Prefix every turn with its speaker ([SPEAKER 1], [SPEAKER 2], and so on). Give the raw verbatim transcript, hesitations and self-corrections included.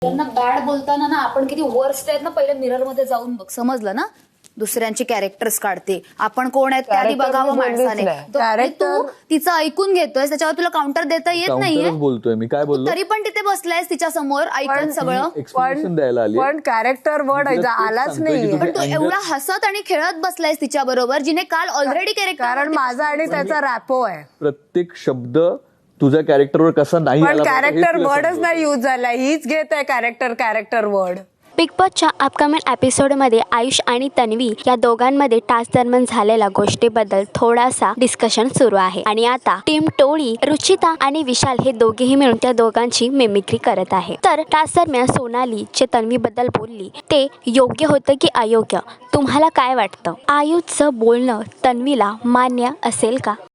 [SPEAKER 1] त्यांना बॅड बोलताना ना आपण किती वर्स्ट आहेत ना पहिले मिरर मध्ये जाऊन बघ, समजलं ना. दुसऱ्यांची कॅरेक्टर्स काढते, आपण कोण आहेत त्याआधी बघावं माणसाने. तू तिचं ऐकून घेतोय, त्याच्यावर तुला काउंटर देता येत नाहीये.
[SPEAKER 2] बोलतोय मी काय बोललो
[SPEAKER 1] तरी पण तिथे बसलायस तिच्या समोर ऐकत सगळं.
[SPEAKER 2] एक्सप्लेनेशन द्यायला आली,
[SPEAKER 3] पण कॅरेक्टर वर्ड आलाच नाही.
[SPEAKER 1] पण तू एवढा हसत आणि खेळत बसलायस तिच्या बरोबर, जिने काल ऑलरेडी कॅरेक्टर.
[SPEAKER 3] कारण माझा आणि त्याचा रॅपो आहे.
[SPEAKER 2] प्रत्येक शब्द तुझ्या कॅरेक्टरवर कसा नाही
[SPEAKER 3] पण कॅरेक्टर वर्डच नाही यूज झाला. हीच घेत आहे कॅरेक्टर कॅरेक्टर वर्ड.
[SPEAKER 4] बिग बॉसच्या अपकमिंग एपिसोडमध्ये आयुष आणि तन्वी या दोघांमध्ये टास्क दरम्यान झालेल्या गोष्टीबद्दल थोडासा डिस्कशन सुरू आहे. आणि आता टीम टोळी, रुचिता आणि विशाल हे दोघेही मिळून त्या दोघांची मिमिक्री करत आहे. तर टास्क दरम्यान सोनाली जे तन्वीबद्दल बोलली ते योग्य होतं की अयोग्य, तुम्हाला काय वाटतं? आयुषचं बोलणं तन्वीला मान्य असेल का?